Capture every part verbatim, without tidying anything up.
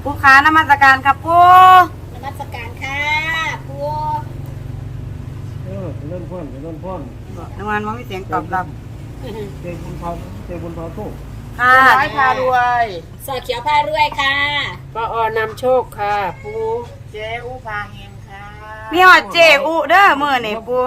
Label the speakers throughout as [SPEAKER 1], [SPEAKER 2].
[SPEAKER 1] ผู้ค้านมัสการครับปู
[SPEAKER 2] นมัสการค่ะปู
[SPEAKER 3] เออเล่นพ่นเล่นพ่น
[SPEAKER 1] นวันมันมีเสียงตอบรับ
[SPEAKER 3] เจ้บุญพาเจ้บุญพาโชค
[SPEAKER 1] ค่ะ
[SPEAKER 4] ร้อยพารวย
[SPEAKER 2] สอเขียวผ้ารวยค่ะ
[SPEAKER 4] ปออนำโชคค่ะปู
[SPEAKER 5] เจ๊อูพาเฮงค่ะ
[SPEAKER 1] มีหอดเจอุเด้อมือนี่ปู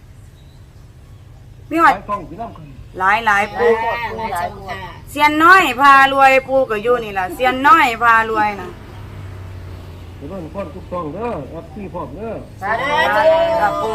[SPEAKER 1] มีหอด
[SPEAKER 3] ต้องกินน้ำกัน
[SPEAKER 1] หลายหลายปู
[SPEAKER 2] ค่ะหลายจังค่ะ
[SPEAKER 1] เซียนน้อยพารวยปูก็อยู่นี่ล่ะเซียนน้อยพารวยนะ
[SPEAKER 3] เล่นพ่นทุกต้องเด้อแอปซี่พร้อมเด้อ
[SPEAKER 5] สาธุ
[SPEAKER 1] ครับปู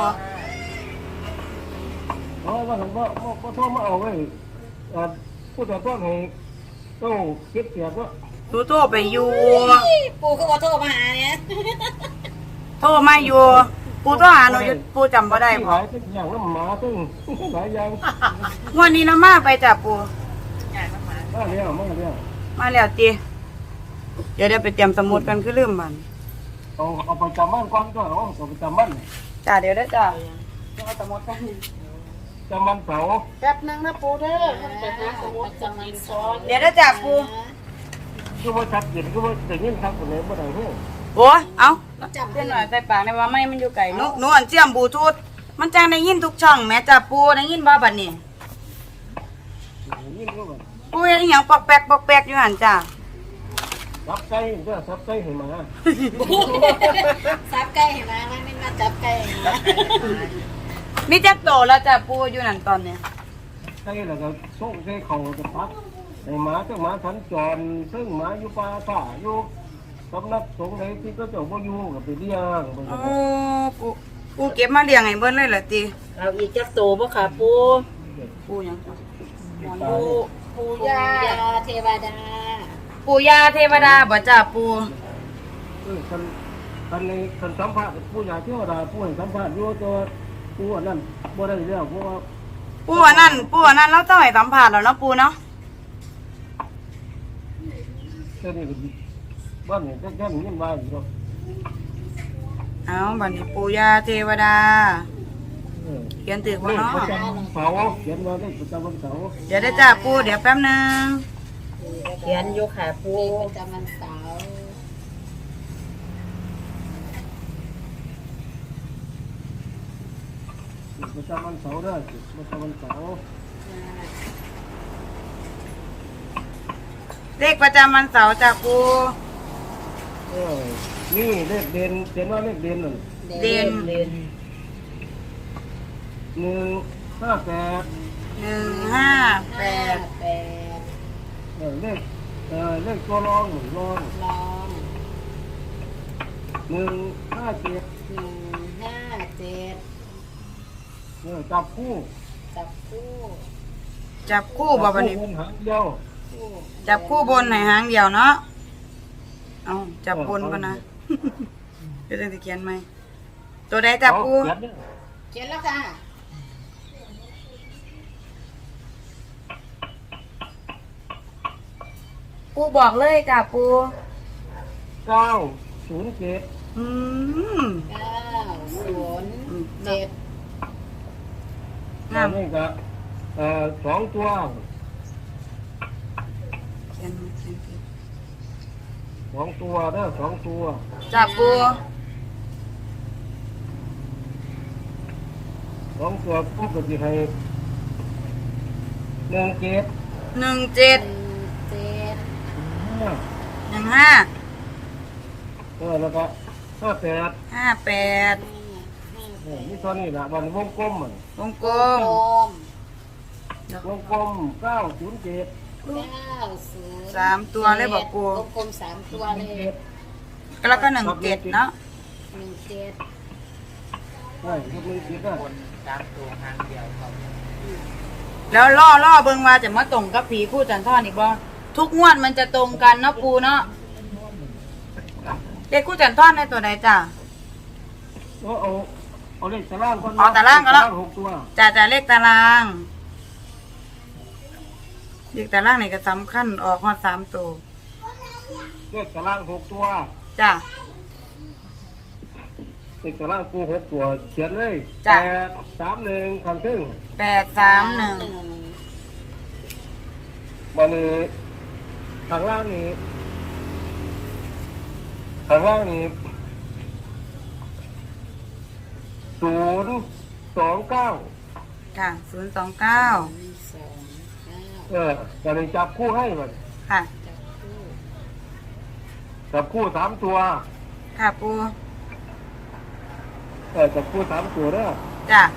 [SPEAKER 3] เอาว่าผมว่าว่าพ่อมาเอาไว้ผู้จัดต้นให้ต้องเก็บเสียบว่า
[SPEAKER 1] ตูโทรไปอยู่
[SPEAKER 2] ปูก็ขอโทษมาหาเนี่ย
[SPEAKER 1] โทรมาอยู่ปูโทรหาหนูอยู่ปูจำบ่ได้
[SPEAKER 3] ห
[SPEAKER 1] บ่
[SPEAKER 3] ลายอย่างน้ำหมาตึ้งหลายอย่าง
[SPEAKER 1] วันนี้เรามาไปจ้ะปู
[SPEAKER 3] มาเรียวมาเรียว
[SPEAKER 1] มาแล้วจีเดี๋ยวเดี๋ยวไปเตรียมสมุดกันคือลืมมัน
[SPEAKER 3] เอาเอาไปจำมันก่อนก็เอาเอาไปจำมัน
[SPEAKER 1] จ้าเดี๋ยวได้จ้า
[SPEAKER 5] เอาสมุดกัน
[SPEAKER 3] จำมันเสา
[SPEAKER 5] แป๊บนึงนะปูเด้อมันไปหาสมุด
[SPEAKER 2] จังมันซ้อน
[SPEAKER 1] เดี๋ยวได้จ้าปู
[SPEAKER 3] ก็ว่าชัดเจนก็ว่าแต่เงี้ยครับคนไหนบ่ได้เฮ้ย
[SPEAKER 1] โอ้ยเอาเส้นหน่อยใส่ปากในว่าไม่มันอยู่ไก่นุนวลเจียมบลูทูธมันจังได้ยินทุกช่องแม่จ้าปูได้ยินบ่บัดนี้
[SPEAKER 3] ยิ่งก็แบบ
[SPEAKER 1] ปูเฮ็ดอีหยังปอกแป๊กปอกแป๊กอยู่หั่นจ้า
[SPEAKER 3] ซับไก่ก็ซับไก่ให้มา
[SPEAKER 2] ซับไก่เห็นไหมไม่ไม่มาจับไก่เห็นไหม
[SPEAKER 1] มีจักโตแล้วจ้าปูอยู่นั่นตอนเนี้ย
[SPEAKER 3] ไก่แล้วก็ส่งใส่เขาจะพักให้หมาเจ้าหมาสัญจรซึ่งหมาอยู่ป่าป่าอยู่สำนักสงฆ์ไหนที่ก็เจ้าบ่อยู่กับไปเลี้ยง
[SPEAKER 1] โอ้ปูปูเก็บมาเลี้ยงให้เบิ่นเลยเหรอติ
[SPEAKER 4] เอาอีกจักโตบ่ค่ะปู
[SPEAKER 1] ปูหยังจ้ะ
[SPEAKER 4] ปูปู
[SPEAKER 2] ปู
[SPEAKER 4] ยาย
[SPEAKER 2] าเทวดา
[SPEAKER 1] ปูย่าเทวดาบ่จ้าปู
[SPEAKER 3] เออคันคันในคันสัมภาษณ์ผู้ใหญ่เทวดาผู้ให้สัมภาษณ์อยู่ตัวผู้อันนั้นบ่ได้แล้วเพราะว่า
[SPEAKER 1] ปูอันนั้นปูอันนั้นเราต้องให้สัมภาษณ์แล้วเนาะปูเนาะ
[SPEAKER 3] เจ้านี่ก็บ้านนี่แค่นี้ยินว่าอยู่
[SPEAKER 1] เอาบัดนี้ปูย่าเทวดา
[SPEAKER 3] เออ
[SPEAKER 1] เขียนตึกบ่
[SPEAKER 3] เลข
[SPEAKER 1] เนาะ
[SPEAKER 3] ประจำเสาเขียนว่าเลขประจำวันเสาร์
[SPEAKER 1] เดี๋ยวได้จ้าปูเดี๋ยวแป๊บนึง
[SPEAKER 4] เขียนอยู่ค่ะปู
[SPEAKER 2] มีประจำวันเสาร์
[SPEAKER 3] ประจำวันเสาร์ได้ประจำวันเสาร์
[SPEAKER 1] เลขประจำวันเสาร์จ้าปู
[SPEAKER 3] เออนี่เลขเด่นเขียนว่าเลขเด่นนั่น
[SPEAKER 1] เด่น
[SPEAKER 4] เรียน
[SPEAKER 3] หนึ่งห้าแปด
[SPEAKER 1] หนึ่งห้าแปด
[SPEAKER 2] แปด
[SPEAKER 3] เออเลขเออเลขตัวรองหนึ่งรอง
[SPEAKER 2] ลอง
[SPEAKER 3] หนึ่งห้าเจ็ด
[SPEAKER 2] หนึ่งห้าเจ็ด
[SPEAKER 3] เออจับคู่
[SPEAKER 2] จับคู่
[SPEAKER 1] จับคู่บ่บัดนี้
[SPEAKER 3] จับคู่บนหางเดียว
[SPEAKER 2] คู่
[SPEAKER 1] จับคู่บนให้หางเดียวเนาะเอาจับบนก่อนนะเดี๋ยวจะเขียนไหมตัวใดจับคู่
[SPEAKER 3] เอาเขียนเนี่ย
[SPEAKER 2] เขียนแล้วค่ะ
[SPEAKER 1] ปูบอกเลยจ้าปู
[SPEAKER 3] เก้าศูนย์เจ็ด
[SPEAKER 1] อืม
[SPEAKER 2] เก้าศูนย์เจ็ด
[SPEAKER 1] งาม
[SPEAKER 3] นี่ก็เอ่อสองตัว
[SPEAKER 1] เขียนมาเขียนผิด
[SPEAKER 3] สองตัวเด้อสองตัว
[SPEAKER 1] จับปู
[SPEAKER 3] สองตัวปุ๊บก็จะให้หนึ่งเจ็ด
[SPEAKER 1] หนึ่งเจ็ด
[SPEAKER 2] หนึ่งเจ็ด
[SPEAKER 3] ห้า
[SPEAKER 1] หนึ่งห้า
[SPEAKER 3] เออแล้วก็ห้าแปด
[SPEAKER 1] ห้าแปด
[SPEAKER 3] เออนี่ตัวนี้แหละวันวงกลมมัน
[SPEAKER 1] วงกล
[SPEAKER 2] โอ
[SPEAKER 1] ม
[SPEAKER 2] ม
[SPEAKER 3] วงกลมเก้าศูนย์เจ็ด
[SPEAKER 2] เก้าศูนย์
[SPEAKER 1] สามตัวเลยบอกปู
[SPEAKER 2] วงกลมสามตัวเลย
[SPEAKER 1] แล้วก็หนึ่งเจ็ดเนาะ
[SPEAKER 2] หนึ่งเจ็ด
[SPEAKER 3] ใช่ยกมือคิดได้
[SPEAKER 1] แล้วล่อล่อเบิ่งว่าจะมาตรงกับผีคู่จันทร์อีกบ่ทุกงวดมันจะตรงกันเนาะปูเนาะเลขคู่จันทร์ในตัวใดจ้า
[SPEAKER 3] เอาเอาเอาเลขตารางก่อน
[SPEAKER 1] เอาตารางก่อนแล้ว
[SPEAKER 3] หกตัว
[SPEAKER 1] จ่าจ่าเลขตารางเลขตารางนี่ก็สำคัญออกฮอดสามตัว
[SPEAKER 3] เลขตารางหกตัว
[SPEAKER 1] จ้า
[SPEAKER 3] เลขตารางกูหกตัวเขียนเลย
[SPEAKER 1] จ้ะ
[SPEAKER 3] แปดสามหนึ่งคำซึ่ง
[SPEAKER 1] แปดสามหนึ่ง
[SPEAKER 3] วันนี้ทางล่างนี้ข้างล่างนี่ศูนย์สองเก้า
[SPEAKER 1] ค่ะศูนย์สองเก้า
[SPEAKER 2] หนึ่งสองเก้า
[SPEAKER 3] เออจะได้จับคู่ให้มัน
[SPEAKER 1] ค่ะ
[SPEAKER 2] จับคู่
[SPEAKER 3] จับคู่สามตัว
[SPEAKER 1] ค่ะปู
[SPEAKER 3] เออจับคู่สามตัวเด้อ
[SPEAKER 1] จ้ะ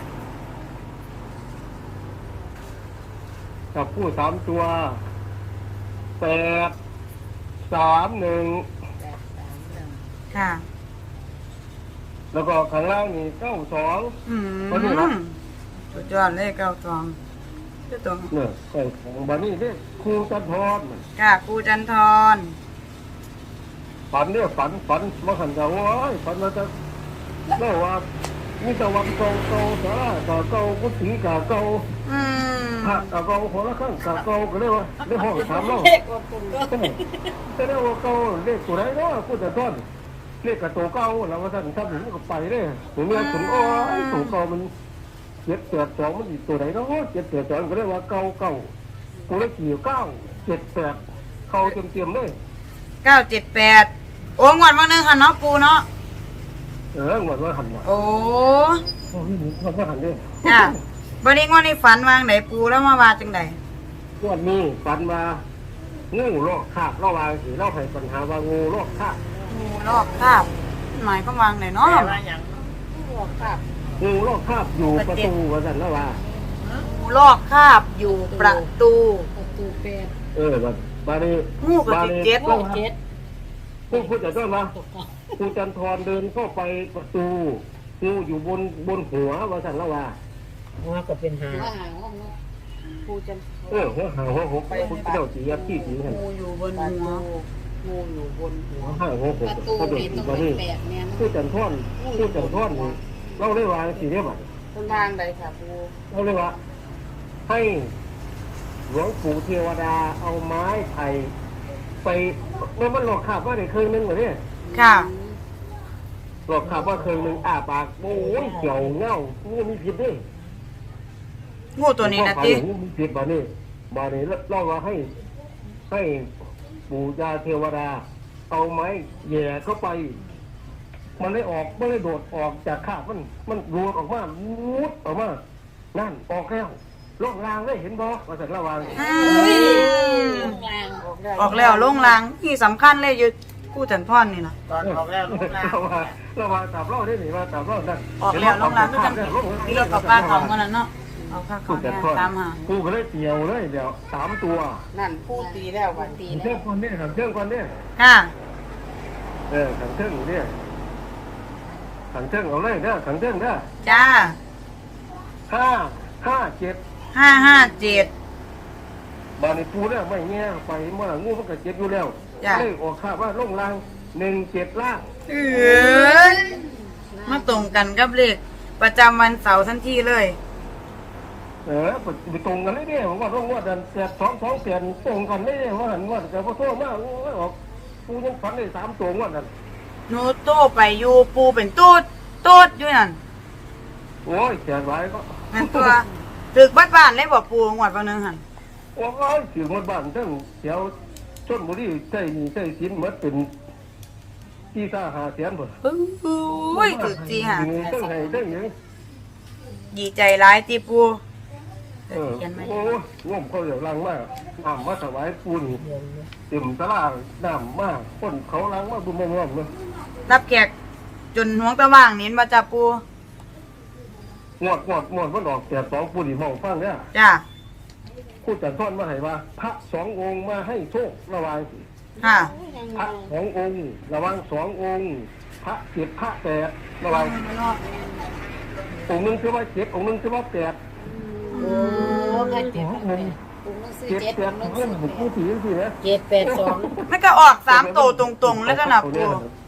[SPEAKER 3] จับคู่สามตัวแปดสามหนึ่ง
[SPEAKER 2] แปดสามหนึ่ง
[SPEAKER 1] ค่ะ
[SPEAKER 3] แล้วก็ข้างล่างนี่เก้าสอง
[SPEAKER 1] อืม
[SPEAKER 3] วันนี้นะ
[SPEAKER 1] สุดยอดเลยเก้าตองเจ้าตอง
[SPEAKER 3] เนี่ยใส่ของบานี่ที่ครูจันทรมัน
[SPEAKER 1] ค่ะปูจันทร
[SPEAKER 3] ฝันเนี่ยฝันฝันมาขันจะว่าฝันมาจะเล่าว่ามีตะวันเก่าเก่าสาราเก่าเก่ากุฏิเก่าเก่า
[SPEAKER 1] อืม
[SPEAKER 3] พระเก่าเก่าหัวละข้างเก่าเก่าก็เรียกว่าเรียกห้องถามเรา
[SPEAKER 2] เด็กกว่าปุ่นก็
[SPEAKER 3] แต่เรียกว่าเก่าเลขตัวไหนเนาะกูจะต้นเลขกับตัวเก่าเราว่าท่านทำถึงก็ไปเลยถึงเรียกถึงโอ้ยตัวเก่ามันเจ็ดแปดสองมันอีกตัวไหนเนาะเจ็ดแปดสองก็เรียกว่าเก่าเก่ากูเลขกี่เก้าเจ็ดแปดเข้าเต็มเต็มเลย
[SPEAKER 1] เก้าเจ็ดแปดโอ้งวดวันหนึงค่ะเนาะปูเนาะ
[SPEAKER 3] เออหมดว่าหันมา
[SPEAKER 1] โอ้
[SPEAKER 3] โอ้ยหมดว่าหันเลย
[SPEAKER 1] จ้ะบัดนี้งวดนี้ฝันวางไหนปูแล้วมาว่าจังได
[SPEAKER 3] วันนี้ฝันว่างูโลกคาบระหว่างสีเล่าให้ปัญหาว่างูโลกคาบ
[SPEAKER 1] งูลอกคราบหมายก็วางไหนเนาะ
[SPEAKER 5] แปลว่าหยัง
[SPEAKER 2] บอกครับ
[SPEAKER 3] งูโลกคาบอยู่ประตูว่าสันแล้วว่า
[SPEAKER 1] งูลอกคราบอยู่ประตู
[SPEAKER 2] ประตูแปด
[SPEAKER 3] เออบัดบานี้
[SPEAKER 1] งูกับสิบเจ็ด
[SPEAKER 2] โอ้เจ็ด
[SPEAKER 3] ผู้พูดจะต้นว่าครูจันทรเดินเข้าไปประตูงูอยู่บนบนหัวว่าสันแล้วว่า
[SPEAKER 4] หัวก็เป็นหา
[SPEAKER 2] ว่าหาห้องเนาะ
[SPEAKER 5] ปูจัน
[SPEAKER 3] เออหัวหางหัวหกพุทธเจ้าสียักษ์ที่สีหัน
[SPEAKER 1] งูอยู่บน
[SPEAKER 5] ปลา
[SPEAKER 1] หัว
[SPEAKER 5] ตูงูอยู่บนหัว
[SPEAKER 3] หัวห้างหัวห
[SPEAKER 2] ป
[SPEAKER 3] ก
[SPEAKER 2] ระตู
[SPEAKER 3] ก็โดด
[SPEAKER 2] นี่
[SPEAKER 3] สี
[SPEAKER 2] ต้อง
[SPEAKER 3] บา
[SPEAKER 2] เป็น
[SPEAKER 3] นี้
[SPEAKER 2] แปดเนี่ย
[SPEAKER 3] ครูจันทรครูจันทรนี่เราได้วางสีเรียบร้อย
[SPEAKER 5] คนทางใดค่ะปู
[SPEAKER 3] เราเรียกว่าให้หลวงปู่เทวดาเอาไม้ไผ่ไปเมื่อมันหลอกขาบว่าได้เคยนึงเหรอเนี่ย
[SPEAKER 1] ค่ะ
[SPEAKER 3] หลอกขาบว่าเคยนึงอ้าปากโอ้ยเกี่ยวเงางูมีพิษด้วย
[SPEAKER 1] งูตัวนี้นะติ
[SPEAKER 3] งูมีพิษบ้านี้บ้านี้เล่าว่าให้ ให้ปู่ยาเทวดา เอาไม้แย่เข้าไป มันได้ออกมันได้โดดออกจากขาบมัน มันรูดออกมามุดออกมานั่นออกแล้วล่องรางได้เห็นบ่มาจากระวัง
[SPEAKER 1] อืม
[SPEAKER 2] ตรงกลาง
[SPEAKER 1] ออกแล้วลงลางที่สำคัญเลยอยู่กู้จันทรนี่นะ
[SPEAKER 5] ตอนออกแล้วลูกหลาน
[SPEAKER 3] เราว่าเราว่าตามเราได้หนิว่าตามเรานั่น
[SPEAKER 1] ออกแล้วลงลางก็จังนี่เรากับป้าของกันแล้วเนาะเอาข้าข
[SPEAKER 3] กู
[SPEAKER 1] อง
[SPEAKER 3] จะ
[SPEAKER 1] แม่
[SPEAKER 3] ทอด
[SPEAKER 1] ตามหา
[SPEAKER 3] กูก็เลยเกี่ยวเลยเดี๋ยวสามตัว
[SPEAKER 5] นั่นปูตีแล้ววัน
[SPEAKER 2] ตี
[SPEAKER 3] เชื่
[SPEAKER 2] แล้
[SPEAKER 3] อ
[SPEAKER 2] ว
[SPEAKER 3] คนนี้ขังเชื่อคนนี้
[SPEAKER 1] ค่ะ
[SPEAKER 3] เออขังเชื่ออยู่เนี่ยขังเชื่อเอาเลยเด้อขังเชื่อเด้อ
[SPEAKER 1] จ้า
[SPEAKER 3] ห้าห้าเจ็ด
[SPEAKER 1] ห้าห้าเจ็ด
[SPEAKER 3] บานิปูเนี่ยไม่เงี้ยไปเมื่องูมันก็เจ็บอยู่แล้ว
[SPEAKER 1] จ้ะ
[SPEAKER 3] เลยออกข่าวว่าลงรางหนึ่งเจ็ดล่าง
[SPEAKER 1] เออมาตรงกันกับเลขประจำวันเสาร์ทันทีเลย
[SPEAKER 3] เออไปตรงกันเลยเนี่ยผมว่าต้องว่าเดือนแปดสองสองเปลี่ยนตรงกันเลยเนี่ยว่าหันว่าแต่พอโทษมากว่าออกปูยังฝันได้สามตัวว่านั่น
[SPEAKER 1] โนโต้ไปอยู่ปูเป็นตูดตูดอยู่นั่น
[SPEAKER 3] โอ้ยแขนไว้ก็
[SPEAKER 1] นั่นตัวตึกบ้านบ้านเลยบอกปูงวดวันหนึงหัน
[SPEAKER 3] โอ้ยถือหมดบ้านทั้งแถวชนบุรีใช่นี่ใช่สินหมดเป็นที่ตาหาเสียนหมด
[SPEAKER 1] โอ้ยตึกจีห่ะ
[SPEAKER 3] ทั้งไห้ทั้งหยัง
[SPEAKER 1] ดีใจร้ายตีปู
[SPEAKER 3] เออ
[SPEAKER 1] เขียนไหม
[SPEAKER 3] โอ้ยง่วมเขาเดี๋ยวลังมากน้ำมาถวายปูนเต็มตลาดน้ำมากคนเขาล้างมาบุมง่วมเลย
[SPEAKER 1] รับแขกจนห่วงตะว่างนี้มาจับปู
[SPEAKER 3] งวดงวดงวดมันออกแต่สองปูนี่มองฟังเนี่ย
[SPEAKER 1] จ้า
[SPEAKER 3] พูดจัดทอดมาให้ว่าพระสององค์มาให้โชคระหวัง
[SPEAKER 1] ค่ะ
[SPEAKER 3] พระสององค์ระหวังสององค์พระเจ็ดพระแปดระหวังองค์หนึงคือว่าเจ็ดองค์หนึงคือว่าแปด
[SPEAKER 2] โอ้ใครเจ็ดแปดปุ่นต้องซื้อ
[SPEAKER 3] เจ็ด
[SPEAKER 2] เจ็ด
[SPEAKER 3] แป
[SPEAKER 2] ปุ่
[SPEAKER 3] ด
[SPEAKER 2] นต้อง
[SPEAKER 3] เงิ
[SPEAKER 2] ซื้
[SPEAKER 3] น
[SPEAKER 2] อ
[SPEAKER 3] ผม
[SPEAKER 2] แป
[SPEAKER 3] พูด
[SPEAKER 2] ด
[SPEAKER 3] ถึงสินะ
[SPEAKER 4] เจ็ดแปดสอง
[SPEAKER 1] มันก็ออกสามโตวตรงๆ แล้วก็นับปู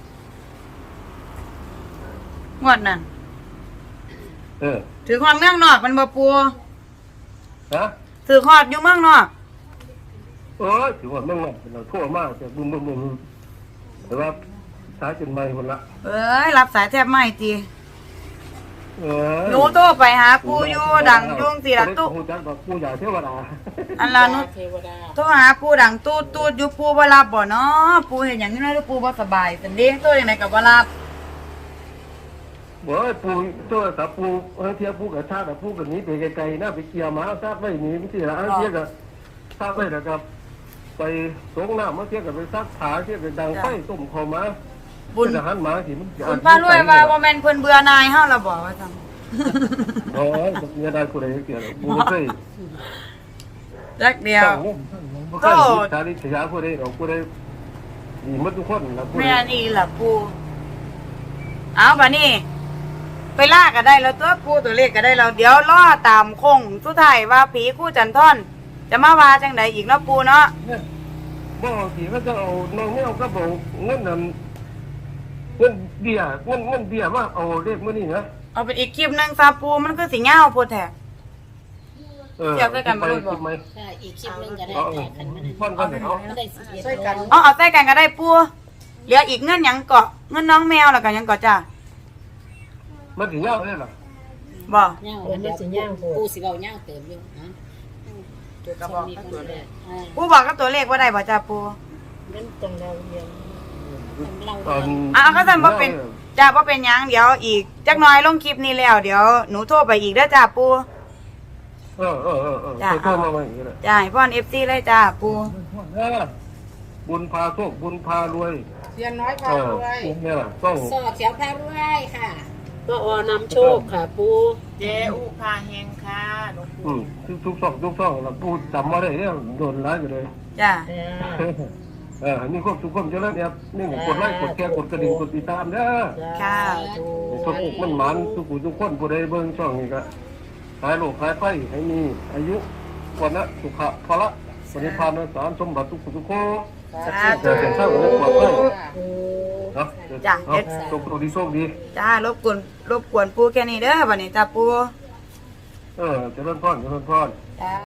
[SPEAKER 1] งวดนั่น
[SPEAKER 3] เออ
[SPEAKER 1] ถือความเมืองนอกมันบ่ปู
[SPEAKER 3] ฮะ
[SPEAKER 1] ถือขอดอยู่เมืองนอก
[SPEAKER 3] เออถือว่าเมืองนอกเราทั่วมากแต่บึ้มบึ้มบึ้มแต่ว่าสายจนไม่คนละ
[SPEAKER 1] เอ้ยรับสายแทบไม่ตี
[SPEAKER 3] เออ
[SPEAKER 1] หนูโทรไปหาปูอยู่ดังยุ่งสิละตุ
[SPEAKER 3] ปูจักบอกปูใหญ่เทวดา
[SPEAKER 1] อันละหนู
[SPEAKER 5] เทวดา
[SPEAKER 1] โทรหาปูดังตูดตูดอยู่ปูบ่รับบ่เนาะปูเห็นหยังอยู่นะปูบ่สบายสันเด้โทรจังไดก็บ่รับ
[SPEAKER 3] บอกว่าปูตัวสับปูเออเทียบปูกับชาติปูกับนี้ไปไกลๆนะไปเกี่ยวหมาทราบไว้นี่ไม่ใช่ละเทียบกับทราบไว้นะครับ ไปสงน้ำมาเทียบกับไปซักขาเทียบกับดังไฟตุ่มคอมา
[SPEAKER 1] บุญ
[SPEAKER 3] เป็นอาหารหมาที่มัน
[SPEAKER 1] บุญพารวยว่าบ่แม่นเพิ่นเบื่อนายเฮาล่ะบ่ว่าซั่น
[SPEAKER 3] โอ้ยเนี่ยได้กูได้เกี่ยวปูไม่เคย
[SPEAKER 1] จักเดียว
[SPEAKER 3] ก็ชาลิษยากูได้เรากูได้ดีมัดทุกคนนะกู
[SPEAKER 1] แม่
[SPEAKER 3] ได้
[SPEAKER 1] นี่ล่ะปูเอาบัดนี้ ไปล่าก็ได้แล้วตัวปูตัวเลขก็ได้แล้วเดี๋ยวรอตามคงสุดท้ายว่าผีคู่จันทอนจะมาว่าจังไดอีกเนาะปูเนาะ
[SPEAKER 3] บ่ทีก็จะเอาน้องไม่เอาก็บอกเงินนั่นเงินเบี้ยเงินเงินเบี้ยมาเอาเลขมื่อนี้นะ
[SPEAKER 1] เอาเป็นอีกคลิปหนึงซาปูมันคือสิยาวโพดแท้
[SPEAKER 3] เออ
[SPEAKER 1] เดี๋ยวไปกันบ่รู้บ่
[SPEAKER 3] คิดไหม
[SPEAKER 2] ใช่อีกคลิปหนึงก็ได้
[SPEAKER 3] เอา
[SPEAKER 2] แต่คันมัน
[SPEAKER 3] พ่อนกันเดี๋ยวเอา
[SPEAKER 2] ไม่ได้สิเอ็ด
[SPEAKER 5] ช่วยกัน
[SPEAKER 1] เอาเอาใส่กันก็ได้ปูเหลืออีกเงินหยังเกาะเงินน้องแมวแล้วก็หยังเกาะจ้า
[SPEAKER 3] มันถึงยาวเลยเหรอ
[SPEAKER 1] บ่
[SPEAKER 2] เงาอันนี้สิย่างปูสิเว้าย่างเติมอยู่ฮะ
[SPEAKER 5] จุดกระบอกกับตัวเลข
[SPEAKER 2] อ่า
[SPEAKER 1] ปูบอกกับตัวเลขว่าได้บ่จ้าปู
[SPEAKER 2] มันตรงเราเรียนเรา
[SPEAKER 3] ตอน
[SPEAKER 1] อ่ะก็สั่นบ่เป็นจ้าบ่เป็นหยังเดี๋ยวอีกจักหน่อยลงคลิปนี้แล้วเดี๋ยวหนูโทรไปอีกเด้อจ้าปู
[SPEAKER 3] เออเออเออเออ
[SPEAKER 1] จ้ะ
[SPEAKER 3] โทรมาอย่างนี้เลย
[SPEAKER 1] จ้าให้พ่อน เอฟ ซี เลยจ้าปู
[SPEAKER 3] เออบุญพาโชคบุญพารวย
[SPEAKER 5] เทียนน้อยพา
[SPEAKER 3] เออ
[SPEAKER 5] รวย
[SPEAKER 3] เนี่ยแหละต้อง
[SPEAKER 2] สอดเขียวพารวยค่ะ
[SPEAKER 4] ก็ออนำโชคค่ะปู
[SPEAKER 5] เจอุพาเฮงค่ะหลวง
[SPEAKER 3] อื
[SPEAKER 5] ปู่
[SPEAKER 3] มทุกทุกช่องทุกช่องเราพูดจำมาได้เนี่ยโดนร้ายอยู่เลย
[SPEAKER 1] จ้า
[SPEAKER 3] เออนี่ควบทุกคนจะเล่นเนี่ยนี่กดไลค์กดแชร์กดกระดิ่งกดติดตามเด้อ
[SPEAKER 1] ค่ะ
[SPEAKER 3] ทุกมันหมันทุกผู้ทุกคนผู้ใดเบิ่งช่องนี้ก็หายโรคหายไข้ให้มีอายุวันละสุขะพละปณิพานสารสมบัติทุกผู้ทุกคน
[SPEAKER 1] สา
[SPEAKER 3] เกิ
[SPEAKER 1] ธุ
[SPEAKER 3] ดเป็นเท่ากับปลอดภัย
[SPEAKER 5] ค่ะ
[SPEAKER 3] เนาะเนาะโชคดีโชคดี
[SPEAKER 1] จ้ารบกวนรบกวนปูแค่นี้เด้อบัดนี้จ้าปู
[SPEAKER 3] เออเจริญพรเจริญพร
[SPEAKER 1] จ้า